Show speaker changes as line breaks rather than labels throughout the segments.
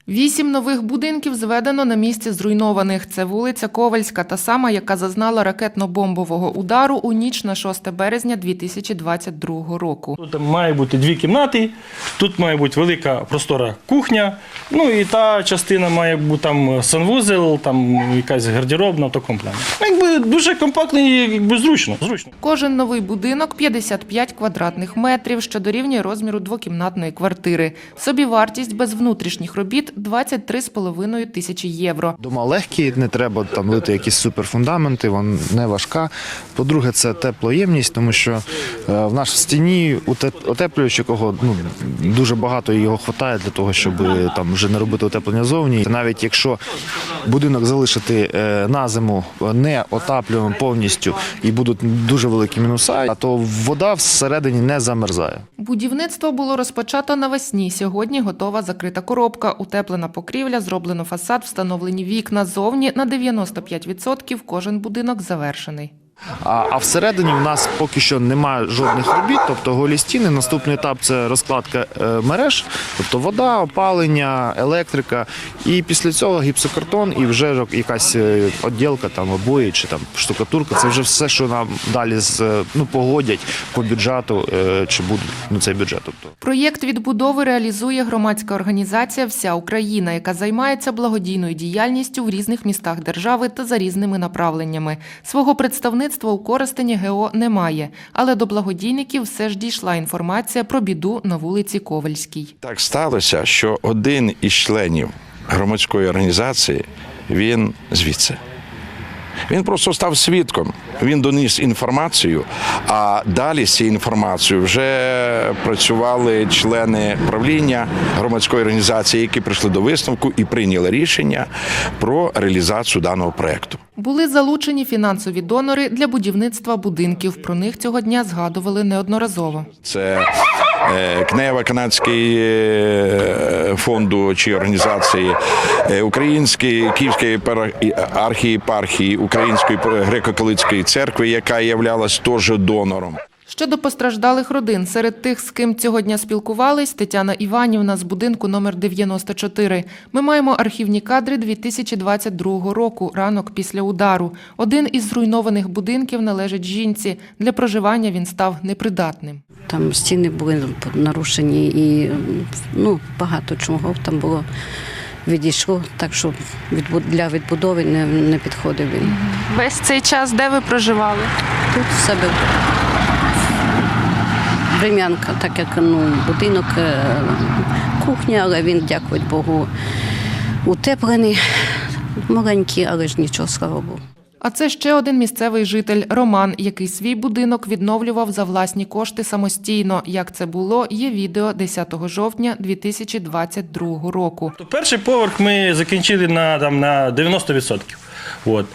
8 нових будинків зведено на місці зруйнованих. Це вулиця Ковальська, та сама, яка зазнала ракетно-бомбового удару у ніч на 6 березня 2022 року.
Тут має бути 2 кімнати, тут має бути велика простора кухня, ну і та частина має бути там санвузел, там якась гардеробна в такому плані. Якби дуже компактний, якби зручно.
Кожен новий будинок – 55 квадратних метрів, що дорівнює розміру двокімнатної квартири. Собівартість без внутрішніх робіт – 23,5 тисячі євро.
Дома легкі, не треба там лити якісь суперфундаменти, вона не важка. По-друге, це теплоємність, тому що в нас в стіні утеплюючого дуже багато його вистачає для того, щоб там вже не робити утеплення зовні. Навіть якщо будинок залишити на зиму не отаплюємо повністю і будуть дуже великі мінуса, то вода всередині не замерзає.
Будівництво було розпочато навесні. Сьогодні готова закрита коробка, утеплена покрівля, зроблено фасад, встановлені вікна. Зовні на 95% кожен будинок завершений.
А всередині в нас поки що немає жодних робіт, тобто голі стіни. Наступний етап – це розкладка мереж, тобто вода, опалення, електрика. І після цього гіпсокартон і вже якась відділка, там обої чи там штукатурка. Це вже все, що нам далі погодять по бюджету, чи буде цей бюджет.
Проєкт відбудови реалізує громадська організація «Вся Україна», яка займається благодійною діяльністю в різних містах держави та за різними направленнями. Свого представництва у Коростені ГО немає, але до благодійників все ж дійшла інформація про біду на вулиці Ковальській.
Так сталося, що один із членів громадської організації, він звідси. Він просто став свідком, він доніс інформацію, а далі з цією інформацією вже працювали члени правління громадської організації, які прийшли до висновку і прийняли рішення про реалізацію даного проєкту.
Були залучені фінансові донори для будівництва будинків. Про них цього дня згадували неодноразово.
Це Кнеєва канадський фонду чи організації, Української Київської архієпархії Української греко-католицької церкви, яка являлась теж донором.
Щодо постраждалих родин, серед тих, з ким цього дня спілкувались, Тетяна Іванівна з будинку номер 94. Ми маємо архівні кадри 2022 року, ранок після удару. Один із зруйнованих будинків належить жінці. Для проживання він став непридатним.
Там стіни були нарушені і багато чого там було. Відійшло, так що для відбудови не підходив він.
Весь цей час де ви проживали?
Тут в себе врем'янка, так як будинок, кухня, але він, дякувати Богу, утеплений. Маленький, але ж нічого, слава Богу.
А це ще один місцевий житель – Роман, який свій будинок відновлював за власні кошти самостійно. Як це було, є відео 10 жовтня 2022 року.
Перший поверх ми закінчили на 90%. От.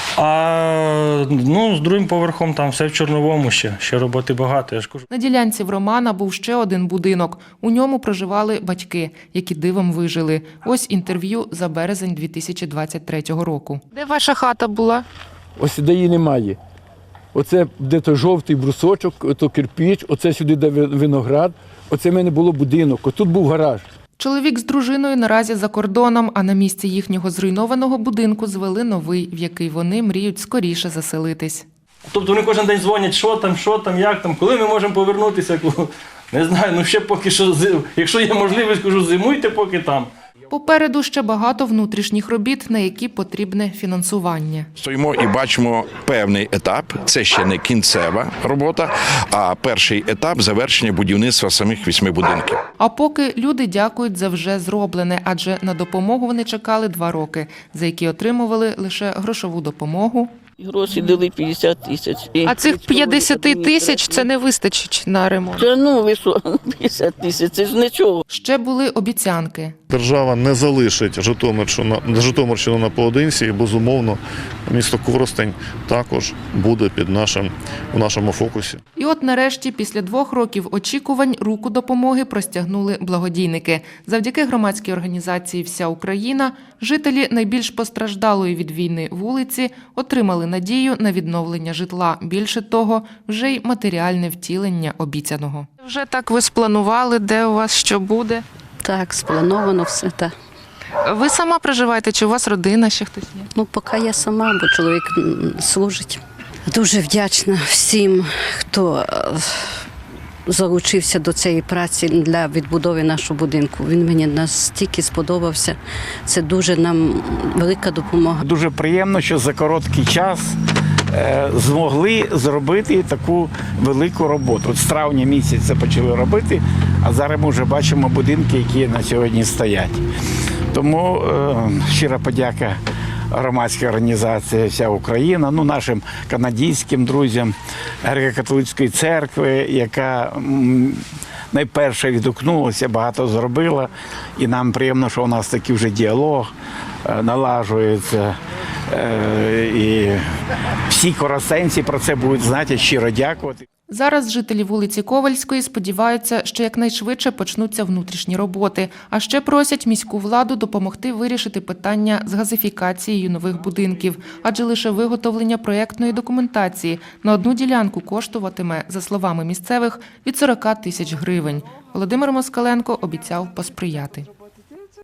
А з другим поверхом там все в чорновому ще роботи багато. Я ж кажу.
На ділянці в Романа був ще один будинок. У ньому проживали батьки, які дивом вижили. Ось інтерв'ю за березень 2023 року. Де ваша хата була?
Ось де її немає. Оце де то жовтий брусочок, ото кирпіч, оце сюди де виноград. Оце в мене було будинок, отут був гараж.
Чоловік з дружиною наразі за кордоном, а на місці їхнього зруйнованого будинку звели новий, в який вони мріють скоріше заселитись.
Тобто вони кожен день дзвонять, що там, як там, коли ми можемо повернутися. Не знаю, ще поки що, якщо є можливість, кажу, зимуйте поки там.
Попереду ще багато внутрішніх робіт, на які потрібне фінансування.
Стоїмо і бачимо певний етап, це ще не кінцева робота, а перший етап завершення будівництва самих 8 будинків.
А поки люди дякують за вже зроблене, адже на допомогу вони чекали 2 роки, за які отримували лише грошову допомогу.
Гроші дали 50 тисяч.
А цих 50 тисяч – це не вистачить на ремонт?
Ви що, 50 тисяч, це ж нічого.
Ще були обіцянки.
Держава не залишить Житомирщину наодинці і, безумовно, місто Коростень також буде у нашому фокусі.
І от нарешті, після 2 років очікувань, руку допомоги простягнули благодійники. Завдяки громадській організації «Вся Україна» жителі найбільш постраждалої від війни вулиці отримали надію на відновлення житла. Більше того, вже й матеріальне втілення обіцяного. Вже так ви спланували, де у вас що буде?
Так, сплановано все, так.
Ви сама проживаєте, чи у вас родина, ще хтось є?
Ну, поки я сама, бо чоловік служить. Дуже вдячна всім, хто залучився до цієї праці для відбудови нашого будинку. Він мені настільки сподобався. Це дуже нам велика допомога.
Дуже приємно, що за короткий час змогли зробити таку велику роботу. От з травня місяця почали робити, а зараз ми вже бачимо будинки, які на сьогодні стоять. Тому щира подяка громадській організації «Вся Україна», нашим канадським друзям, Греко-католицької церкви, яка найперше відгукнулася, багато зробила. І нам приємно, що у нас такий вже діалог налажується. І всі коростенці про це будуть знати, щиро дякувати.
Зараз жителі вулиці Ковальської сподіваються, що якнайшвидше почнуться внутрішні роботи. А ще просять міську владу допомогти вирішити питання з газифікацією нових будинків. Адже лише виготовлення проєктної документації на одну ділянку коштуватиме, за словами місцевих, від 40 тисяч гривень. Володимир Москаленко обіцяв посприяти.